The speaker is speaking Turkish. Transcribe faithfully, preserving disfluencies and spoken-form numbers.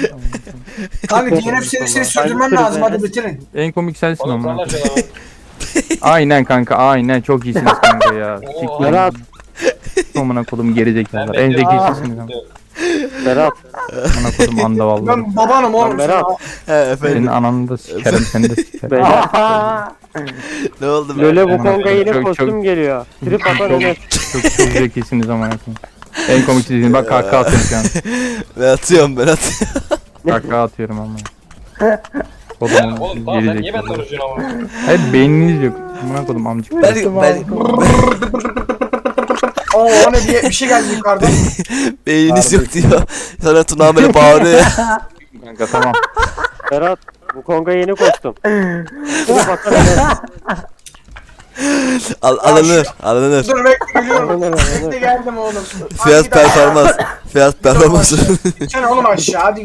Kanka D N F serisini sürdürmem lazım, hadi bitirin. En komik sensin Oğlum ama. sana canavar. Aynen kanka aynen çok iyisiniz kanka ya. Oo. Siktir. Berat. Amına kodum gerizekalılar. Ben En bekliyorum. zekisiniz ama. Berat. Amına kodum anda vallahi. Ben babanım oğlum. Berat. He Senin efendim. ananı da sikerim seni de sikerim. Berat. Ne oldu be? Lole bu konga yeni Çok- kostüm çok- geliyor. Trip atan Çok, Enes. çok, çok zekisiniz amına koyayım. En komik sizin bak kahkaha atıyorum şu an. Ben atıyorum ben atıyorum. Kahkaha atıyorum ama. Kodumun Oğlum tamam sen niye ben gerizekalı. konuşuyorsun ama? Hayır beyniniz yok. Amına kodum amcık. Ben, ben, Oo o ne diye bir şey geldi yukarıdan. beyniniz yok diyor. Sonra Tuna böyle bağırıyor ya. Kanka tamam. Berat. Bu konga yeni kostüm. Trip atan Enes. Al, alınır alınır. Dur bekle geliyorum. Alınır, alınır. Bekle geldim oğlum. Fiyat performans. Fiyat performans. Sen oğlum aşağı hadi.